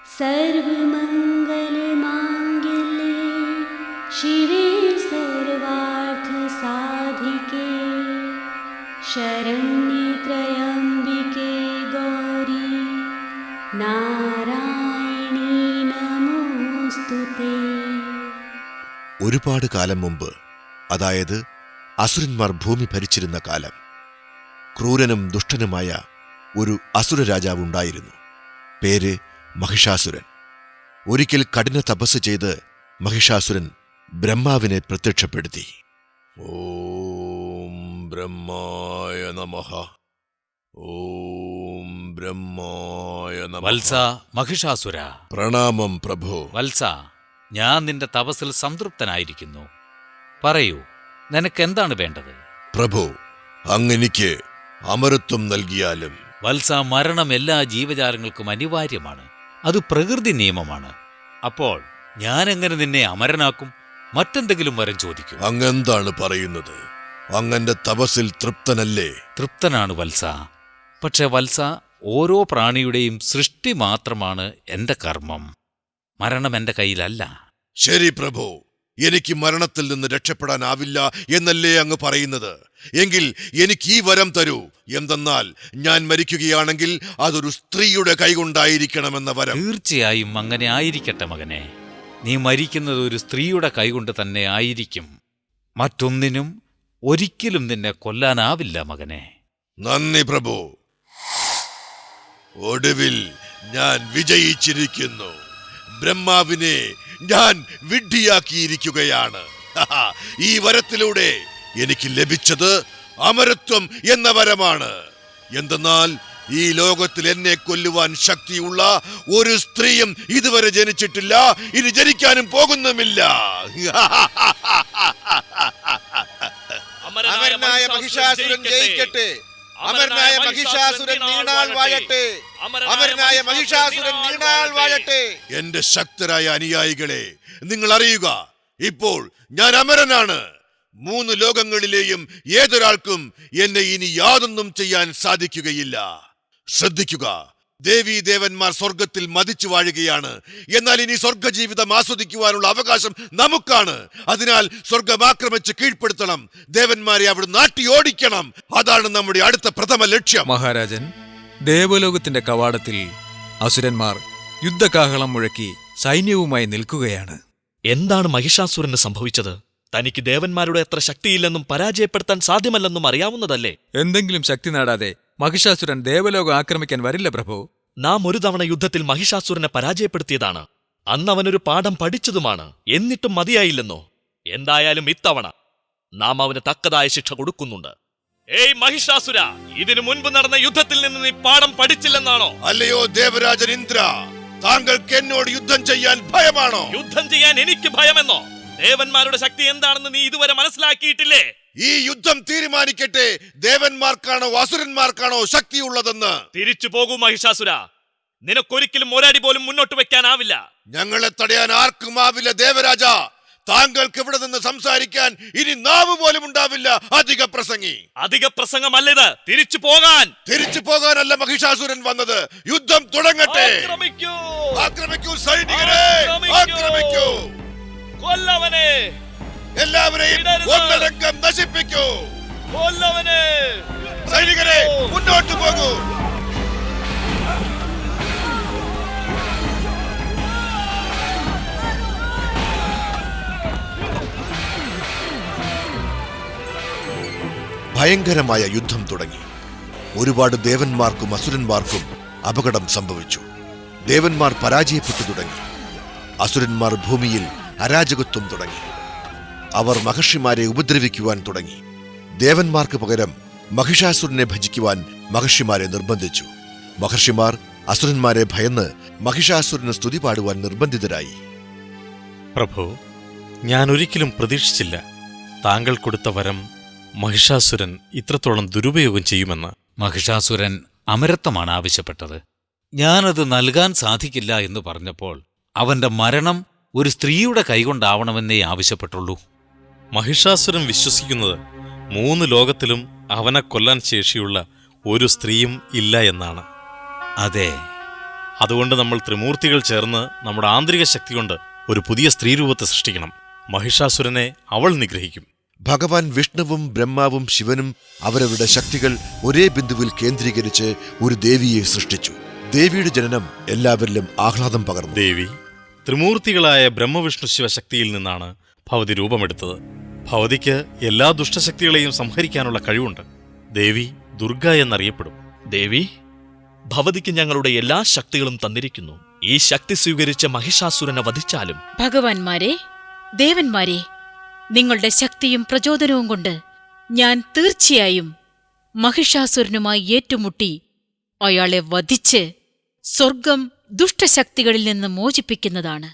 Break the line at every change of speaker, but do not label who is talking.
सर्वमङ्गलमाङ्गल्ये शिवे सर्वार्थसाधिके शरण्ये त्र्यम्बिके गौरी നാരായണീ നമോസ്തുതേ.
ഒരുപാട് കാലം മുമ്പ്, അതായത് അസുരന്മാർ ഭൂമി ഭരിച്ചിരുന്ന കാലം, ക്രൂരനും ദുഷ്ടനുമായ ഒരു അസുര രാജാവുണ്ടായിരുന്നു. പേര് മഹിഷാസുരൻ. ഒരിക്കൽ കഠിന തപസ് ചെയ്ത് മഹിഷാസുരൻ ബ്രഹ്മാവിനെ പ്രത്യക്ഷപ്പെടുത്തി. ഓം ബ്രഹ്മായ നമഃ, ഓം ബ്രഹ്മായ നമഃ.
വത്സ മഹിഷാസുര,
പ്രണാമം പ്രഭോ.
വത്സ, ഞാൻ നിന്റെ തപസ്സിൽ സംതൃപ്തനായിരിക്കുന്നു. പറയൂ, നിനക്കെന്താണ് വേണ്ടത്?
പ്രഭു, അങ്ങെനിക്ക് അമരത്വം നൽകിയാലും.
വത്സ, മരണം എല്ലാ ജീവജാലങ്ങൾക്കും അനിവാര്യമാണ്. അത് പ്രകൃതി നിയമമാണ്. അപ്പോൾ ഞാനെങ്ങനെ നിന്നെ അമരനാക്കും? മറ്റെന്തെങ്കിലും വരം ചോദിക്കും.
അങ്ങെന്താണ് പറയുന്നത്? അങ്ങന്റെ തപസ്സിൽ തൃപ്തനല്ലേ?
തൃപ്തനാണ് വത്സ. പക്ഷെ വത്സ, ഓരോ പ്രാണിയുടെയും സൃഷ്ടി മാത്രമാണ് എന്റെ കർമ്മം. മരണം എന്റെ കയ്യിലല്ല.
ശരി പ്രഭു, എനിക്ക് മരണത്തിൽ നിന്ന് രക്ഷപ്പെടാനാവില്ല എന്നല്ലേ അങ്ങ് പറയുന്നത്? എങ്കിൽ എനിക്ക് ഈ വരം തരൂ. എന്തെന്നാൽ ഞാൻ മരിക്കുകയാണെങ്കിൽ അതൊരു സ്ത്രീയുടെ കൈകൊണ്ടായിരിക്കണമെന്ന വരം.
തീർച്ചയായും അങ്ങനെ ആയിരിക്കട്ടെ മകനെ. നീ മരിക്കുന്നത് ഒരു സ്ത്രീയുടെ കൈകൊണ്ട് തന്നെ ആയിരിക്കും. മറ്റൊന്നിനും ഒരിക്കലും നിന്നെ കൊല്ലാനാവില്ല മകനെ.
നന്ദി പ്രഭു. ഒടുവിൽ ഞാൻ വിജയിച്ചിരിക്കുന്നു. ബ്രഹ്മാവിനെ ഞാൻ വിഡ്ഢിയാക്കിയിരിക്കുകയാണ്. ഈ വരത്തിലൂടെ എനിക്ക് ലഭിച്ചത് അമരത്വം എന്ന വരമാണ്. എന്തെന്നാൽ ഈ ലോകത്തിൽ എന്നെ കൊല്ലുവാൻ ശക്തിയുള്ള ഒരു സ്ത്രീയും ഇതുവരെ ജനിച്ചിട്ടില്ല, ഇനി ജനിക്കാനും പോകുന്നുമില്ല.
അമരനായ മഹിഷാസുരൻ ജയിക്കട്ടെ. അമരനായ മഹിഷാസുരൻ നീണാൾ വാഴട്ടെ. അമരനായ മഹിഷാസുരൻ നീണാൾ വാഴട്ടെ.
എന്റെ ശക്തരായ അനുയായികളെ, നിങ്ങൾ അറിയുക, ഇപ്പോൾ ഞാൻ അമരനാണ്. 3 ലോകങ്ങളിലെയും ഏതൊരാൾക്കും എന്നെ ഇനി യാതൊന്നും ചെയ്യാൻ സാധിക്കുകയില്ല. ശ്രദ്ധിക്കുക, ദേവീ ദേവന്മാർ സ്വർഗത്തിൽ മതിച്ചു വാഴുകയാണ്. എന്നാൽ ഇനി സ്വർഗജീവിതം ആസ്വദിക്കുവാനുള്ള അവകാശം നമുക്കാണ്. അതിനാൽ സ്വർഗം ആക്രമിച്ച് കീഴ്പ്പെടുത്തണം. ദേവന്മാരെ അവിടെ നാട്ടി ഓടിക്കണം. അതാണ് നമ്മുടെ അടുത്ത പ്രഥമ ലക്ഷ്യം.
മഹാരാജൻ, ദേവലോകത്തിന്റെ കവാടത്തിൽ അസുരന്മാർ യുദ്ധകാഹളം മുഴക്കി സൈന്യവുമായി നിൽക്കുകയാണ്.
എന്താണ് മഹിഷാസുരന് സംഭവിച്ചത്? തനിക്ക് ദേവന്മാരുടെ അത്ര ശക്തിയില്ലെന്നും പരാജയപ്പെടുത്താൻ സാധ്യമല്ലെന്നും അറിയാവുന്നതല്ലേ?
എന്തെങ്കിലും ശക്തി നേടാതെ മഹിഷാസുരൻ ദേവലോകം ആക്രമിക്കാൻ വരില്ല പ്രഭു.
നാം ഒരു തവണ യുദ്ധത്തിൽ മഹിഷാസുരനെ പരാജയപ്പെടുത്തിയതാണ്. അന്ന് അവനൊരു പാഠം പഠിച്ചതുമാണ്. എന്നിട്ടും മതിയായില്ലെന്നോ? എന്തായാലും ഇത്തവണ നാം അവന് തക്കതായ ശിക്ഷ കൊടുക്കുന്നുണ്ട്. ഏയ് മഹിഷാസുര, ഇതിനു മുൻപ് നടന്ന യുദ്ധത്തിൽ നിന്ന് നീ പാഠം പഠിച്ചില്ലെന്നാണോ?
അല്ലയോ ദേവരാജൻ ഇന്ദ്ര, താങ്കൾക്ക് എന്നോട് യുദ്ധം ചെയ്യാൻ ഭയമാണോ?
യുദ്ധം ചെയ്യാൻ എനിക്ക് ഭയമെന്നോ? ദേവന്മാരുടെ ശക്തി എന്താണെന്ന് നീ ഇതുവരെ മനസ്സിലാക്കിയിട്ടില്ലേ?
ഈ യുദ്ധം തീരുമാനിക്കട്ടെ, ദേവന്മാർക്കാണോ അസുരന്മാർക്കാണോ ശക്തിയുള്ളതെന്ന്.
തിരിച്ചു പോകൂ മഹിഷാസുര. നിനക്കൊരിക്കലും ഒരടി പോലും മുന്നോട്ട് വെക്കാനാവില്ല.
ഞങ്ങളെ തടയാൻ ആർക്കും ആവില്ല ദേവരാജ. താങ്കൾക്ക് ഇവിടെ നിന്ന് സംസാരിക്കാൻ ഇനി നാവ് പോലും ഉണ്ടാവില്ല. അധിക പ്രസംഗി.
അധിക പ്രസംഗമല്ലിത്. തിരിച്ചു പോകാൻ.
തിരിച്ചു പോകാനല്ല മഹിഷാസുരൻ വന്നത്. യുദ്ധം തുടങ്ങട്ടെ.
ആക്രമിക്കൂ.
ആക്രമിക്കൂ സൈനികരെ, ആക്രമിക്കൂ.
കൊല്ലവനെ.
എല്ലാവരെയും ഒന്നടങ്കം നശിപ്പിക്കൂ.
കൊല്ലവനെ.
സൈനികരെ, മുന്നോട്ട് പോകൂ. ഭയങ്കരമായ യുദ്ധം തുടങ്ങി. ഒരുപാട് ദേവന്മാർക്കും അസുരന്മാർക്കും അപകടം സംഭവിച്ചു. ദേവന്മാർ പരാജയപ്പെട്ടു തുടങ്ങി. അസുരന്മാർ ഭൂമിയിൽ അരാജകത്വം തുടങ്ങി. അവർ മഹർഷിമാരെ ഉപദ്രവിക്കുവാൻ തുടങ്ങി. ദേവന്മാർക്ക് പകരം മഹിഷാസുരനെ ഭജിക്കുവാൻ മഹർഷിമാരെ നിർബന്ധിച്ചു. മഹർഷിമാർ അസുരന്മാരെ ഭയന്ന് മഹിഷാസുരന് സ്തുതി പാടുവാൻ നിർബന്ധിതരായി.
പ്രഭു, ഞാൻ ഒരിക്കലും പ്രതീക്ഷിച്ചില്ല താങ്കൾ കൊടുത്ത വരം മഹിഷാസുരൻ ഇത്രത്തോളം ദുരുപയോഗം ചെയ്യുമെന്ന്.
മഹിഷാസുരൻ അമരത്വമാണ് ആവശ്യപ്പെട്ടത്. ഞാനത് നൽകാൻ സാധിക്കില്ല എന്ന് പറഞ്ഞപ്പോൾ അവന്റെ മരണം ഒരു സ്ത്രീയുടെ കൈകൊണ്ടാവണമെന്നേ ആവശ്യപ്പെട്ടുള്ളൂ.
മഹിഷാസുരൻ വിശ്വസിക്കുന്നത് 3 ലോകത്തിലും അവനെ കൊല്ലാൻ ശേഷിയുള്ള ഒരു സ്ത്രീയും ഇല്ല എന്നാണ്.
അതെ,
അതുകൊണ്ട് നമ്മൾ ത്രിമൂർത്തികൾ ചേർന്ന് നമ്മുടെ ആന്തരിക ശക്തി കൊണ്ട് ഒരു പുതിയ സ്ത്രീരൂപത്തെ സൃഷ്ടിക്കണം. മഹിഷാസുരനെ അവൾ നിഗ്രഹിക്കും.
ഭഗവാൻ വിഷ്ണുവും ബ്രഹ്മാവും ശിവനും അവരവരുടെ ശക്തികൾ ഒരേ ബിന്ദുവിൽ കേന്ദ്രീകരിച്ച് ഒരു ദേവിയെ സൃഷ്ടിച്ചു. ദേവിയുടെ ജനനം എല്ലാവരിലും ആഹ്ലാദം പകർന്നു.
ദേവി ത്രിമൂർത്തികളായ ബ്രഹ്മവിഷ്ണു ശിവശക്തിയിൽ നിന്നാണ് ഭവതി രൂപമെടുത്തത്. ഭവതിക്ക് എല്ലാ ദുഷ്ടശക്തികളെയും സംഹരിക്കാനുള്ള കഴിവുണ്ട്. ദേവി ദുർഗ എന്നറിയപ്പെടും.
ദേവി, ഭവതിക്ക് ഞങ്ങളുടെ എല്ലാ ശക്തികളും തന്നിരിക്കുന്നു. ഈ ശക്തി സ്വീകരിച്ച മഹിഷാസുരനെ വധിച്ചാലും
ഭഗവാന്മാരെ, ദേവന്മാരെ, നിങ്ങളുടെ ശക്തിയും പ്രചോദനവും കൊണ്ട് ഞാൻ തീർച്ചയായും മഹിഷാസുരനുമായി ഏറ്റുമുട്ടി അയാളെ വധിച്ച് സ്വർഗം ദുഷ്ടശക്തികളിൽ നിന്ന് മോചിപ്പിക്കുന്നതാണ്.